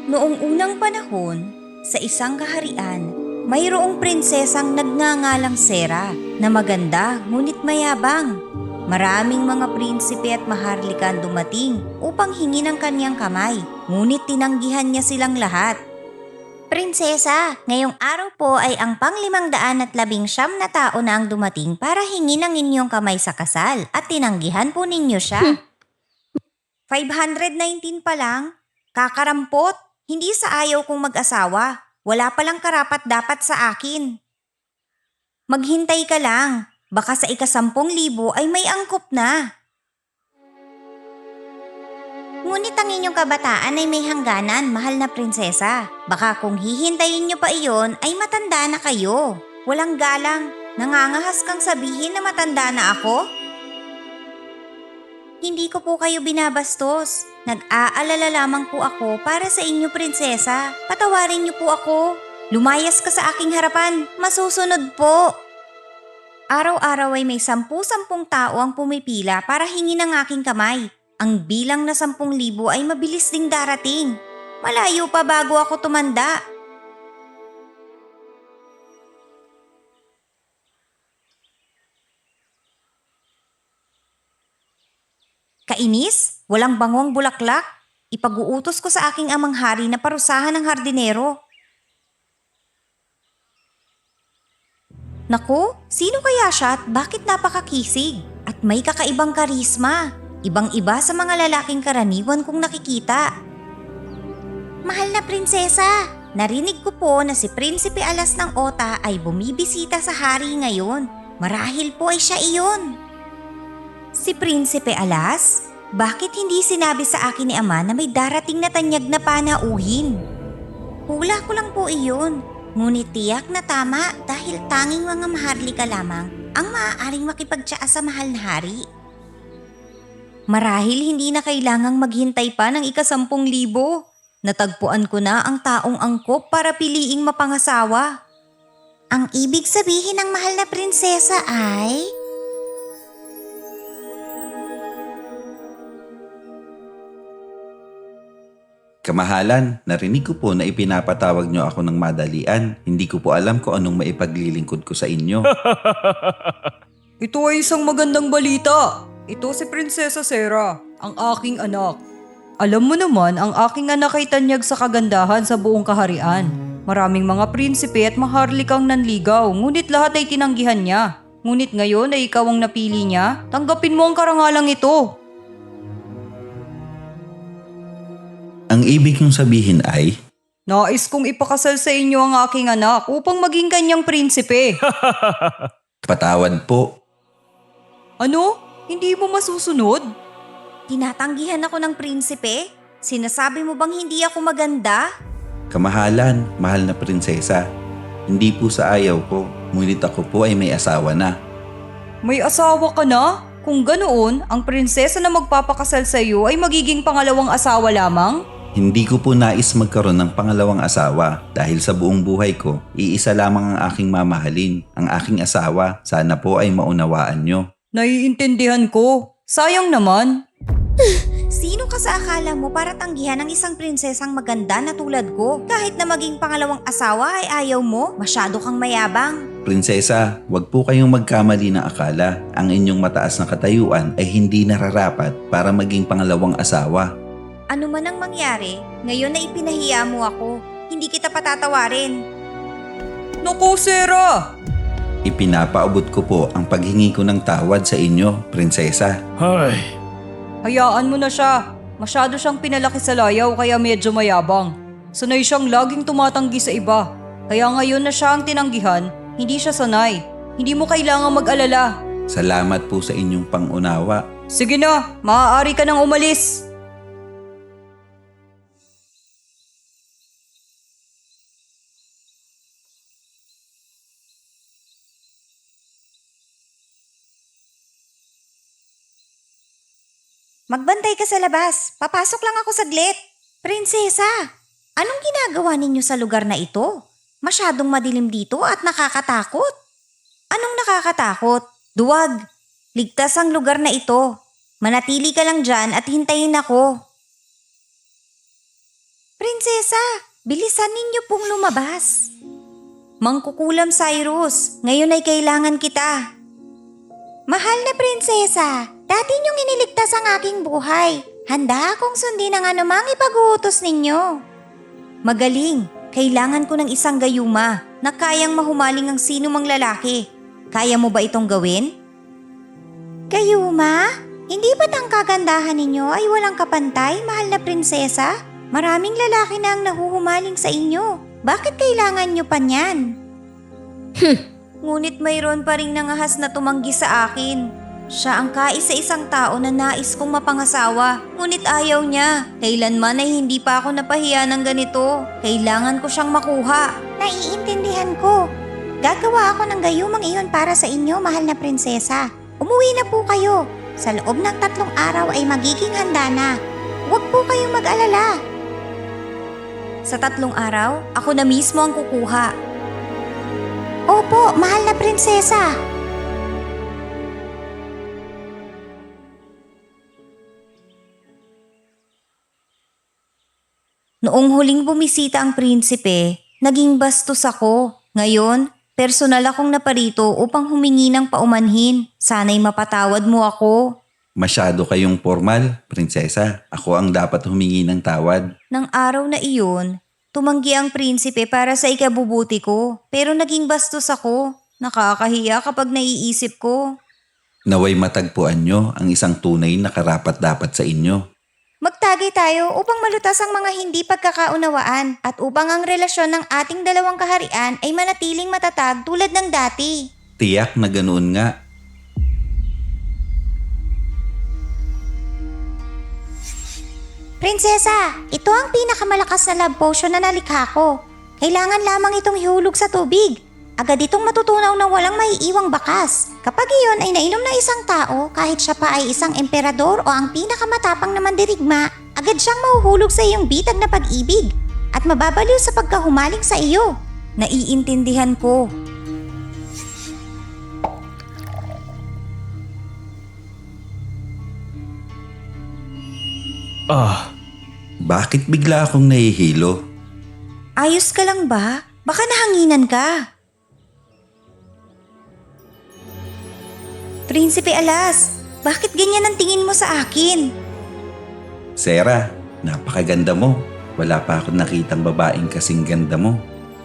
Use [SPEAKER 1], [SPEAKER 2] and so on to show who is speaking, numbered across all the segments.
[SPEAKER 1] Noong unang panahon, sa isang kaharian, mayroong prinsesang nagngangalang Sera na maganda ngunit mayabang. Maraming mga prinsipe at maharlikan dumating upang hingi ng kanyang kamay, ngunit tinanggihan niya silang lahat. Prinsesa, ngayong araw po ay ang pang-519 na tao na ang dumating para hingi ng inyong kamay sa kasal at tinanggihan po ninyo siya. 519 pa lang? Kakarampot? Hindi sa ayaw kong mag-asawa. Wala palang karapat-dapat sa akin. Maghintay ka lang. Baka sa ika-10,000 ay may angkop na. Ngunit ang inyong kabataan ay may hangganan, mahal na prinsesa. Baka kung hihintayin niyo pa iyon ay matanda na kayo. Walang galang. Nangangahas kang sabihin na matanda na ako? Hindi ko po kayo binabastos. Nag-aalala lamang po ako para sa inyo, prinsesa. Patawarin niyo po ako. Lumayas ka sa aking harapan. Masusunod po. Araw-araw ay may 10,000 tao ang pumipila para hingi ng aking kamay. Ang bilang na 10,000 ay mabilis ding darating. Malayo pa bago ako tumanda. Kainis? Walang bangong bulaklak? Ipag-uutos ko sa aking amang hari na parusahan ng hardinero. Naku, sino kaya siya at bakit napakakisig? At may kakaibang karisma. Ibang-iba sa mga lalaking karaniwan kong nakikita. Mahal na prinsesa, narinig ko po na si Prinsipe Alas ng Ota ay bumibisita sa hari ngayon. Marahil po ay siya iyon. Si Prinsipe Alas? Bakit hindi sinabi sa akin ni Ama na may darating na tanyag na panauhin? Hula ko lang po iyon. Ngunit tiyak na tama dahil tanging mga maharlika lamang ang maaaring makipagtsaa sa mahal na hari. Marahil hindi na kailangang maghintay pa ng ika-10,000. Natagpuan ko na ang taong angkop para piliing mapangasawa. Ang ibig sabihin ng mahal na prinsesa ay...
[SPEAKER 2] Kamahalan, narinig ko po na ipinapatawag niyo ako ng madalian. Hindi ko po alam kung anong maipaglilingkod ko sa inyo.
[SPEAKER 3] Ito ay isang magandang balita. Ito si Prinsesa Sera, ang aking anak. Alam mo naman, ang aking anak ay tanyag sa kagandahan sa buong kaharian. Maraming mga prinsipe at maharlikang nanligaw, ngunit lahat ay tinanggihan niya. Ngunit ngayon ay ikaw ang napili niya, tanggapin mo ang karangalang ito.
[SPEAKER 2] Ang ibig niyong sabihin ay...
[SPEAKER 3] Nais kong ipakasal sa inyo ang aking anak upang maging kanyang prinsipe.
[SPEAKER 2] Patawad po.
[SPEAKER 3] Ano? Hindi mo masusunod?
[SPEAKER 1] Tinatanggihan ako ng prinsipe? Sinasabi mo bang hindi ako maganda?
[SPEAKER 2] Kamahalan, mahal na prinsesa. Hindi po sa ayaw ko, ngunit ako po ay may asawa na.
[SPEAKER 3] May asawa ka na? Kung ganoon, ang prinsesa na magpapakasal sa iyo ay magiging pangalawang asawa lamang?
[SPEAKER 2] Hindi ko po nais magkaroon ng pangalawang asawa dahil sa buong buhay ko, iisa lamang ang aking mamahalin, ang aking asawa. Sana po ay maunawaan nyo.
[SPEAKER 3] Naiintindihan ko. Sayang naman.
[SPEAKER 1] Sino ka sa akala mo para tanggihan ng isang prinsesang maganda na tulad ko? Kahit na maging pangalawang asawa ay ayaw mo, masyado kang mayabang.
[SPEAKER 2] Prinsesa, wag po kayong magkamali ng akala. Ang inyong mataas na katayuan ay hindi nararapat para maging pangalawang asawa.
[SPEAKER 1] Ano man ang mangyari, ngayon na ipinahiya mo ako. Hindi kita patatawarin.
[SPEAKER 3] Naku, Sera!
[SPEAKER 2] Ipinapaabot ko po ang paghingi ko ng tawad sa inyo, prinsesa.
[SPEAKER 3] Hayaan mo na siya. Masyado siyang pinalaki sa layaw kaya medyo mayabang. Sanay siyang laging tumatanggi sa iba. Kaya ngayon na siya ang tinanggihan, hindi siya sanay. Hindi mo kailangang mag-alala.
[SPEAKER 2] Salamat po sa inyong pangunawa.
[SPEAKER 3] Sige na, maaari ka nang umalis.
[SPEAKER 1] Magbantay ka sa labas. Papasok lang ako saglit. Prinsesa, anong ginagawa ninyo sa lugar na ito? Masyadong madilim dito at nakakatakot. Anong nakakatakot? Duwag. Ligtas ang lugar na ito. Manatili ka lang dyan at hintayin ako. prinsesa! Bilisan ninyo pong lumabas. Mangkukulam Cyrus, ngayon ay kailangan kita. Mahal na prinsesa, dati niyong iniligtas ang aking buhay. Handa akong sundin ang anumang ipag-uutos ninyo. Magaling, kailangan ko ng isang gayuma na kayang mahumaling ang sino mang lalaki. Kaya mo ba itong gawin? Gayuma? Hindi ba't ang kagandahan ninyo ay walang kapantay, mahal na prinsesa? Maraming lalaki na ang nahuhumaling sa inyo. Bakit kailangan nyo pa niyan? Ngunit mayroon pa ring nangahas na tumanggi sa akin. Siya ang kaisa-isang tao na nais kong mapangasawa. Ngunit ayaw niya. Kailanman ay hindi pa ako napahiya ng ganito. Kailangan ko siyang makuha. Naiintindihan ko. Gagawa ako ng gayumang iyon para sa inyo, mahal na prinsesa. Umuwi na po kayo. Sa loob ng 3 araw ay magiging handa na. Huwag po kayong mag-alala. Sa 3 araw, ako na mismo ang kukuha. Opo, mahal na prinsesa. Noong huling bumisita ang prinsipe, naging bastos ako. Ngayon, personal akong naparito upang humingi ng paumanhin. Sana'y mapatawad mo ako.
[SPEAKER 2] Masyado kayong formal, prinsesa. Ako ang dapat humingi ng tawad.
[SPEAKER 1] Nang araw na iyon, tumanggi ang prinsipe para sa ikabubuti ko. Pero naging bastos ako. Nakakahiya kapag naiisip ko.
[SPEAKER 2] Naway matagpuan nyo ang isang tunay na karapat-dapat sa inyo.
[SPEAKER 1] Magtagay tayo upang malutas ang mga hindi pagkakaunawaan at upang ang relasyon ng ating dalawang kaharian ay manatiling matatag tulad ng dati.
[SPEAKER 2] Tiyak na ganoon nga.
[SPEAKER 1] Prinsesa, ito ang pinakamalakas na love potion na nalikha ko. Kailangan lamang itong ihulog sa tubig. Agad itong matutunaw na walang maiiwang bakas. Kapag iyon ay nainom ng isang tao, kahit siya pa ay isang emperador o ang pinakamatapang na mandirigma, agad siyang mahuhulog sa iyong bitag na pag-ibig at mababaliw sa pagkahumaling sa iyo. Naiintindihan ko.
[SPEAKER 2] Bakit bigla akong nahihilo?
[SPEAKER 1] Ayos ka lang ba? Baka nahanginan ka. Prinsipe Alas, bakit ganyan ang tingin mo sa akin?
[SPEAKER 2] Sarah, napakaganda mo. Wala pa akong nakitang babaeng kasing ganda mo.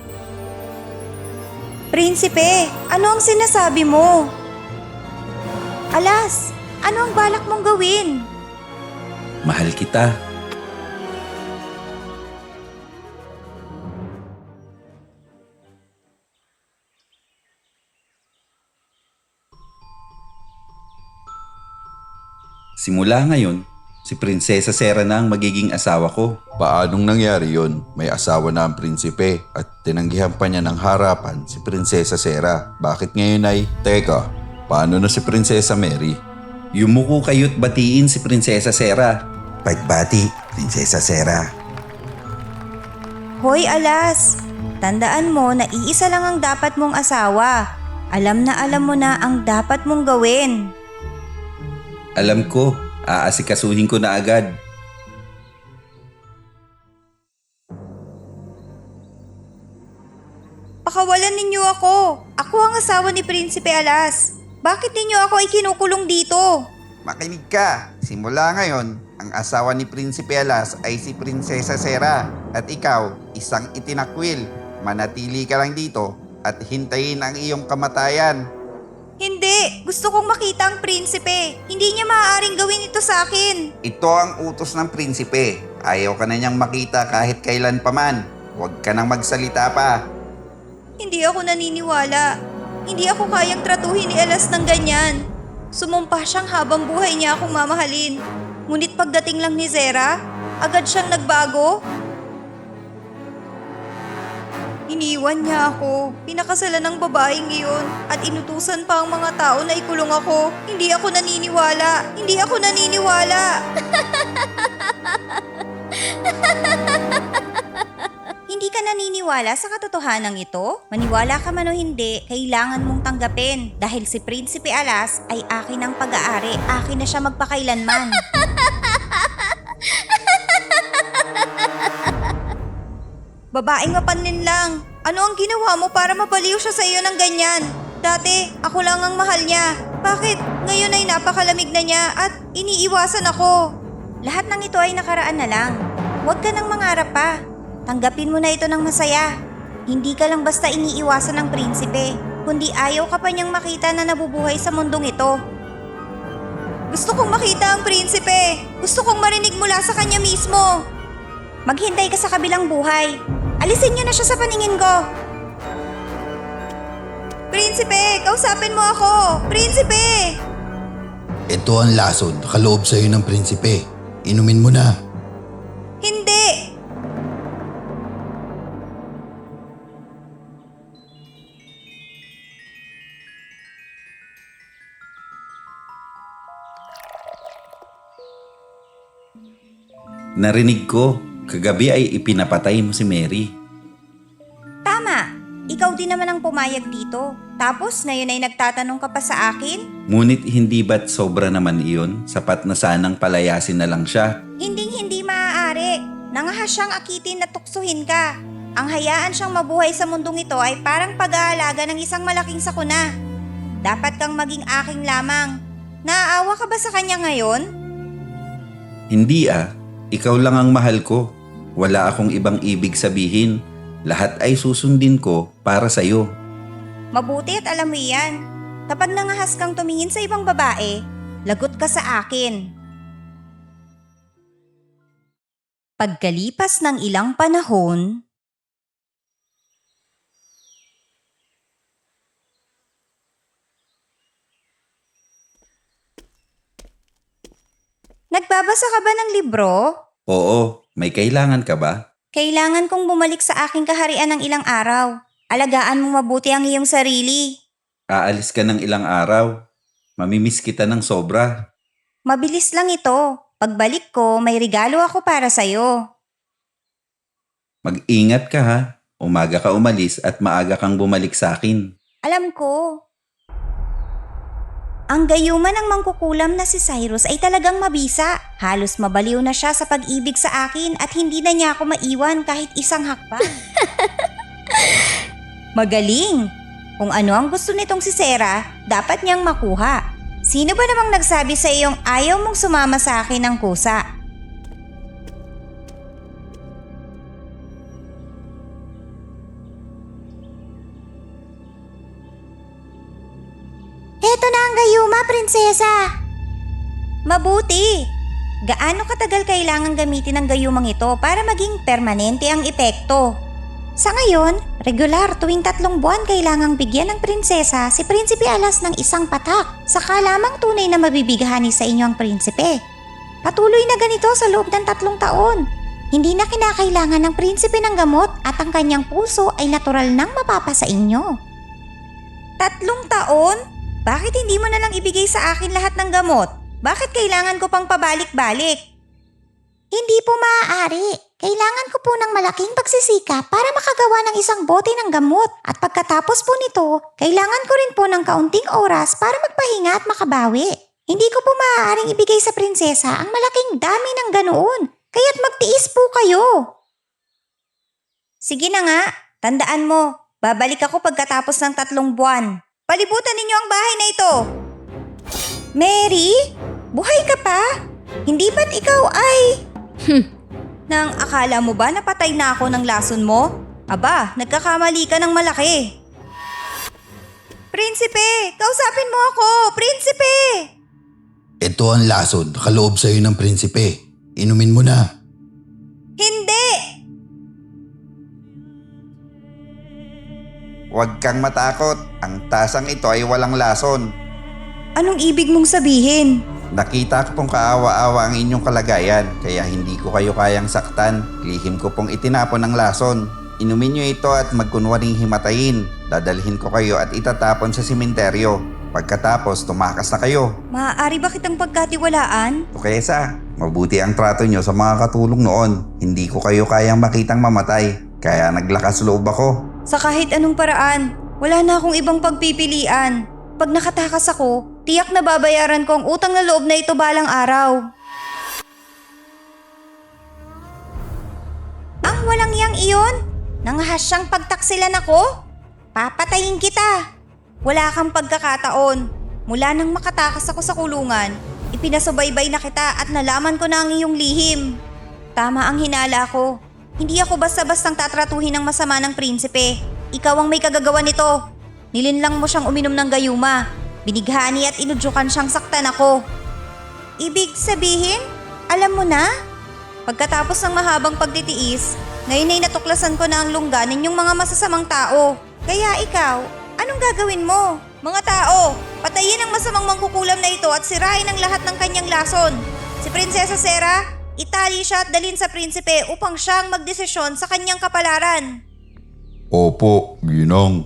[SPEAKER 1] Prinsipe, ano ang sinasabi mo? Alas, ano ang balak mong gawin?
[SPEAKER 2] Mahal kita. Simula ngayon, si Prinsesa Sarah na ang magiging asawa ko.
[SPEAKER 4] Paanong nangyari yon? May asawa na ang prinsipe at tinanggihan pa niya ng harapan si Prinsesa Sarah. Bakit ngayon ay, teka, paano na si Prinsesa Mary?
[SPEAKER 2] Yumuko kayo't batiin si Prinsesa Sarah.
[SPEAKER 4] Pagbati, Prinsesa Sarah.
[SPEAKER 1] Hoy Alas, tandaan mo na iisa lang ang dapat mong asawa. Alam mo na ang dapat mong gawin.
[SPEAKER 2] Alam ko, aasikasuhin ko na agad.
[SPEAKER 1] Pakawalan ninyo ako. Ako ang asawa ni Prinsipe Alas. Bakit ninyo ako ikinukulong dito?
[SPEAKER 5] Makinig ka. Simula ngayon, ang asawa ni Prinsipe Alas ay si Prinsesa Sarah. At ikaw, isang itinakwil. Manatili ka lang dito at hintayin ang iyong kamatayan.
[SPEAKER 1] Hindi! Gusto kong makita ang prinsipe. Hindi niya maaaring gawin ito sa akin.
[SPEAKER 5] Ito ang utos ng prinsipe. Ayaw ka na niyang makita kahit kailan paman. Huwag ka nang magsalita pa.
[SPEAKER 1] Hindi ako naniniwala. Hindi ako kayang tratuhin ni Alas ng ganyan. Sumumpa siyang habang buhay niya akong mamahalin. Ngunit pagdating lang ni Zera, agad siyang nagbago. Iniwan niya ako. Pinakasalan ng babaeng iyon at inutusan pa ang mga tao na ikulong ako. Hindi ako naniniwala. Hindi ako naniniwala. Hindi ka naniniwala sa katotohanan ito? Maniwala ka man o hindi, kailangan mong tanggapin. Dahil si Prinsipe Alas ay akin ang pag-aari. Akin na siya magpakailanman. Babaeng mapanlin lang. Ano ang ginawa mo para mabaliw siya sa iyo ng ganyan? Dati, ako lang ang mahal niya. Bakit ngayon ay napakalamig na niya at iniiwasan ako? Lahat ng ito ay nakaraan na lang. Huwag ka nang mangarap pa. Tanggapin mo na ito ng masaya. Hindi ka lang basta iniiwasan ng prinsipe, kundi ayaw ka pa niyang makita na nabubuhay sa mundong ito. Gusto kong makita ang prinsipe. Gusto kong marinig mula sa kanya mismo. Maghintay ka sa kabilang buhay. Alisin niyo na siya sa paningin ko. Prinsipe, kausapin mo ako. Prinsipe!
[SPEAKER 4] Ito ang lason, nakaloob sa'yo ng prinsipe. Inumin mo na.
[SPEAKER 1] Hindi!
[SPEAKER 2] Narinig ko, kagabi ay ipinapatay mo si Mary.
[SPEAKER 1] Tama. Ikaw din naman ang pumayag dito. Tapos ngayon ay nagtatanong ka pa sa akin?
[SPEAKER 2] Ngunit hindi ba't sobra naman iyon? Sapat na sanang palayasin na lang siya.
[SPEAKER 1] Hindi maaari. Nangahas siyang akitin at tuksuhin ka. Ang hayaan siyang mabuhay sa mundong ito ay parang pag-aalaga ng isang malaking sakuna. Dapat kang maging aking lamang. Naaawa ka ba sa kanya ngayon?
[SPEAKER 2] Hindi ah, ikaw lang ang mahal ko. Wala akong ibang ibig sabihin. Lahat ay susundin ko para sa'yo.
[SPEAKER 1] Mabuti at alam mo yan. Kapag nangahas kang tumingin sa ibang babae, lagot ka sa akin. Pagkalipas ng ilang panahon, nagbabasa ka ba ng libro?
[SPEAKER 2] Oo, may kailangan ka ba?
[SPEAKER 1] Kailangan kong bumalik sa aking kaharian ng ilang araw. Alagaan mo mabuti ang iyong sarili.
[SPEAKER 2] Aalis ka ng ilang araw. Mamimiss kita ng sobra.
[SPEAKER 1] Mabilis lang ito. Pagbalik ko, may regalo ako para sa'yo.
[SPEAKER 2] Mag-ingat ka ha. Umaga ka umalis at maaga kang bumalik sa akin.
[SPEAKER 1] Alam ko. Ang gayuman ng mangkukulam na si Cyrus ay talagang mabisa. Halos mabaliw na siya sa pag-ibig sa akin at hindi na niya ako maiwan kahit isang hakbang. Magaling! Kung ano ang gusto nitong si Sarah, dapat niyang makuha. Sino ba namang nagsabi sa iyong ayaw mong sumama sa akin ng kusa? Eto na ang gayuma, prinsesa! Mabuti! Gaano katagal kailangan gamitin ang gayumang ito para maging permanente ang epekto? Sa ngayon, regular tuwing 3 buwan kailangang bigyan ng prinsesa si Prinsipe Alas ng isang patak. Saka lamang tunay na mabibigahani sa inyo ang prinsipe. Patuloy na ganito sa loob ng 3 taon. Hindi na kinakailangan ng prinsipe ng gamot at ang kanyang puso ay natural nang mapapa sa inyo. 3 taon? Bakit hindi mo na lang ibigay sa akin lahat ng gamot? Bakit kailangan ko pang pabalik-balik? Hindi po maaari. Kailangan ko po ng malaking pagsisikap para makagawa ng isang bote ng gamot at pagkatapos po nito, kailangan ko rin po ng kaunting oras para magpahinga at makabawi. Hindi ko po maaaring ibigay sa prinsesa ang malaking dami ng ganoon, kaya't magtiis po kayo. Sige na nga, tandaan mo, babalik ako pagkatapos ng 3 buwan. Palibutan ninyo ang bahay na ito. Mary, buhay ka pa? Hindi ba't ikaw ay... Nang akala mo ba napatay na ako ng lason mo? Aba, nagkakamali ka ng malaki. Prinsipe, kausapin mo ako! Prinsipe!
[SPEAKER 4] Ito ang lason, nakaloob sa'yo ng prinsipe. Inumin mo na.
[SPEAKER 1] Hindi!
[SPEAKER 5] Huwag kang matakot. Ang tasang ito ay walang lason.
[SPEAKER 1] Anong ibig mong sabihin?
[SPEAKER 5] Nakita ko pong kaawa-awa ang inyong kalagayan, kaya hindi ko kayo kayang saktan. Lihim ko pong itinapon ang lason. Inumin nyo ito at magkunwaring himatayin. Dadalhin ko kayo at itatapon sa simenteryo. Pagkatapos, tumakas na kayo.
[SPEAKER 1] Maaari ba kitang pagkatiwalaan?
[SPEAKER 5] Tukesa, mabuti ang trato nyo sa mga katulong noon. Hindi ko kayo kayang makitang mamatay, kaya naglakas loob ako.
[SPEAKER 1] Sa kahit anong paraan, wala na akong ibang pagpipilian. Pag nakatakas ako, tiyak na babayaran ko ang utang na loob na ito balang araw. Ang walang yang iyon? Nanghahasyang pagtaksilan ako? Papatayin kita! Wala kang pagkakataon. Mula nang makatakas ako sa kulungan, ipinasubaybay na kita at nalaman ko na ang iyong lihim. Tama ang hinala ko. Hindi ako basta-bastang tatratuhin ng masama ng prinsipe. Ikaw ang may kagagawa nito. Nilinlang mo siyang uminom ng gayuma. Binighani at inudyukan siyang saktan ako. Ibig sabihin, alam mo na? Pagkatapos ng mahabang pagtitiis, ngayon ay natuklasan ko na ang lungga ninyong mga masasamang tao. Kaya ikaw, anong gagawin mo? Mga tao, patayin ang masamang mangkukulam na ito at sirain ang lahat ng kanyang lason. Si Prinsesa Sera, itali siya at dalhin sa prinsipe upang siya ang magdesisyon sa kanyang kapalaran.
[SPEAKER 4] Opo, Ginang.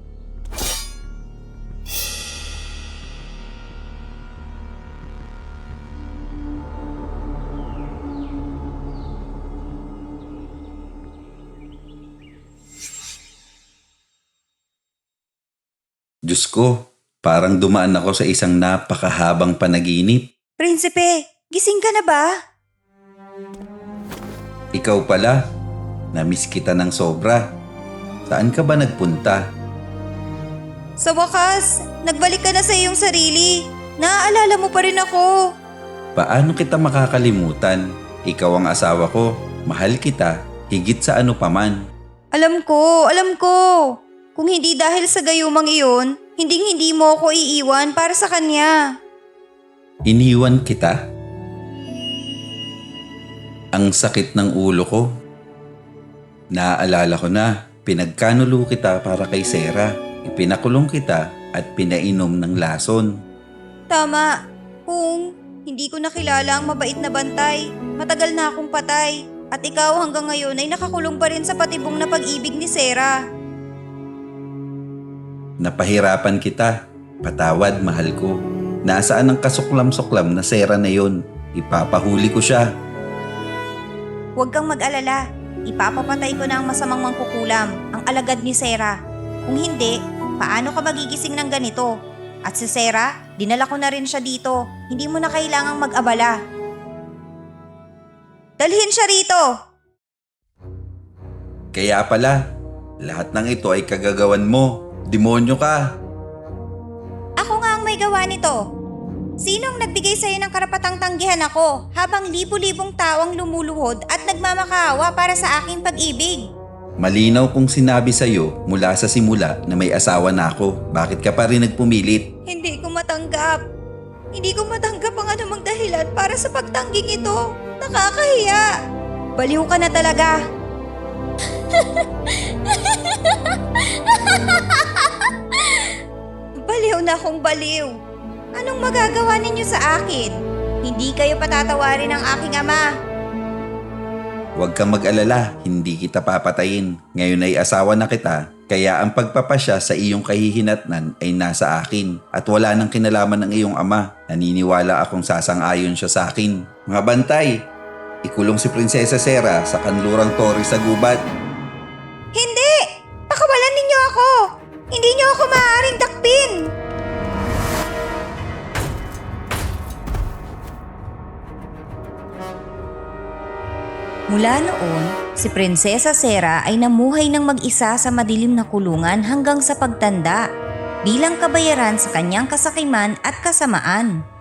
[SPEAKER 2] Diyos ko, parang dumaan ako sa isang napakahabang panaginip.
[SPEAKER 1] Prinsipe, gising ka na ba?
[SPEAKER 2] Ikaw pala, namiss kita ng sobra. Saan ka ba nagpunta?
[SPEAKER 1] Sa wakas, nagbalik ka na sa iyong sarili. Naaalala mo pa rin ako.
[SPEAKER 2] Paano kita makakalimutan? Ikaw ang asawa ko, mahal kita, higit sa ano paman.
[SPEAKER 1] Alam ko. Kung hindi dahil sa gayumang iyon, hindi mo ako iiwan para sa kanya.
[SPEAKER 2] Iniwan kita? Ang sakit ng ulo ko. Naaalala ko na, pinagkanulo kita para kay Sera. Ipinakulong kita at pinainom ng lason.
[SPEAKER 1] Tama. Kung hindi ko nakilala ang mabait na bantay, matagal na akong patay. At ikaw hanggang ngayon ay nakakulong pa rin sa patibong na pag-ibig ni Sera.
[SPEAKER 2] Napahirapan kita. Patawad, mahal ko. Nasaan ang kasuklam-suklam na Sera na yon? Ipapahuli ko siya.
[SPEAKER 1] Huwag kang mag-alala. Ipapapatay ko na ang masamang mangkukulam, ang alagad ni Sera. Kung hindi, paano ka magigising ng ganito? At si Sera, dinala ko na rin siya dito. Hindi mo na kailangang mag-abala. Dalhin siya rito!
[SPEAKER 2] Kaya pala, lahat ng ito ay kagagawan mo. Demonyo ka.
[SPEAKER 1] Ako nga ang may gawa nito. Sinong nagbigay sa'yo ng karapatang tanggihan ako habang libu-libong tao ang lumuluhod at nagmamakaawa para sa aking pag-ibig?
[SPEAKER 2] Malinaw kong sinabi sa'yo mula sa simula na may asawa na ako. Bakit ka pa rin nagpumilit?
[SPEAKER 1] Hindi ko matanggap. Hindi ko matanggap ang anumang dahilan para sa pagtangging ito. Nakakahiya. Baliw ka na talaga. Baliw na akong baliw. Anong magagawa ninyo sa akin? Hindi kayo patatawarin ng aking ama.
[SPEAKER 2] Huwag kang mag-alala, hindi kita papatayin. Ngayon ay asawa na kita, kaya ang pagpapasya sa iyong kahihinatnan ay nasa akin at wala nang kinalaman ng iyong ama. Naniniwala akong sasang-ayon siya sa akin. Mga bantay, ikulong si Prinsesa Sera sa kanlurang tori sa gubat.
[SPEAKER 1] Hindi! Pakawalan ninyo ako! Hindi niyo ako maaaring takpin! Mula noon, si Prinsesa Sera ay namuhay ng mag-isa sa madilim na kulungan hanggang sa pagtanda, bilang kabayaran sa kanyang kasakiman at kasamaan.